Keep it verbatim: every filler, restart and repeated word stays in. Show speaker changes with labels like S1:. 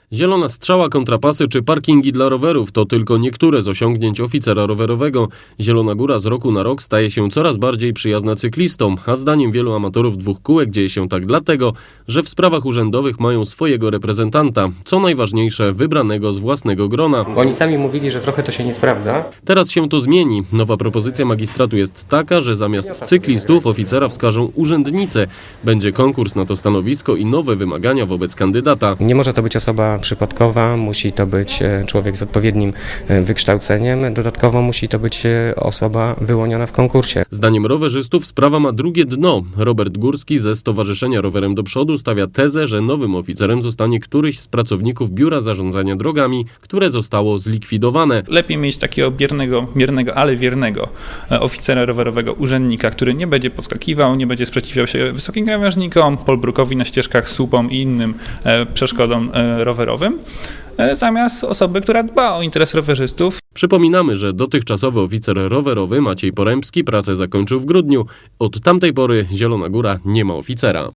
S1: Zielona strzała, kontrapasy czy parkingi dla rowerów to tylko niektóre z osiągnięć oficera rowerowego. Zielona Góra z roku na rok staje się coraz bardziej przyjazna cyklistom, a zdaniem wielu amatorów dwóch kółek dzieje się tak dlatego, że w sprawach urzędowych mają swojego reprezentanta, co najważniejsze wybranego z własnego grona.
S2: Oni sami mówili, że trochę to się nie sprawdza.
S1: Teraz się to zmieni. Nowa propozycja magistratu jest taka, że zamiast cyklistów oficera wskażą urzędnice. Będzie konkurs na to stanowisko i nowe wymagania wobec kandydata.
S2: Nie może to być osoba przypadkowa, musi to być człowiek z odpowiednim wykształceniem, dodatkowo musi to być osoba wyłoniona w konkursie.
S1: Zdaniem rowerzystów sprawa ma drugie dno. Robert Górski ze Stowarzyszenia Rowerem do Przodu stawia tezę, że nowym oficerem zostanie któryś z pracowników Biura Zarządzania Drogami, które zostało zlikwidowane.
S3: Lepiej mieć takiego biernego, biernego, ale wiernego oficera rowerowego, urzędnika, który nie będzie podskakiwał, nie będzie sprzeciwiał się wysokim krawężnikom, polbrukowi na ścieżkach, słupom i innym przeszkodom rowerowym, zamiast osoby, która dba o interes rowerzystów.
S1: Przypominamy, że dotychczasowy oficer rowerowy Maciej Poremski pracę zakończył w grudniu. Od tamtej pory Zielona Góra nie ma oficera.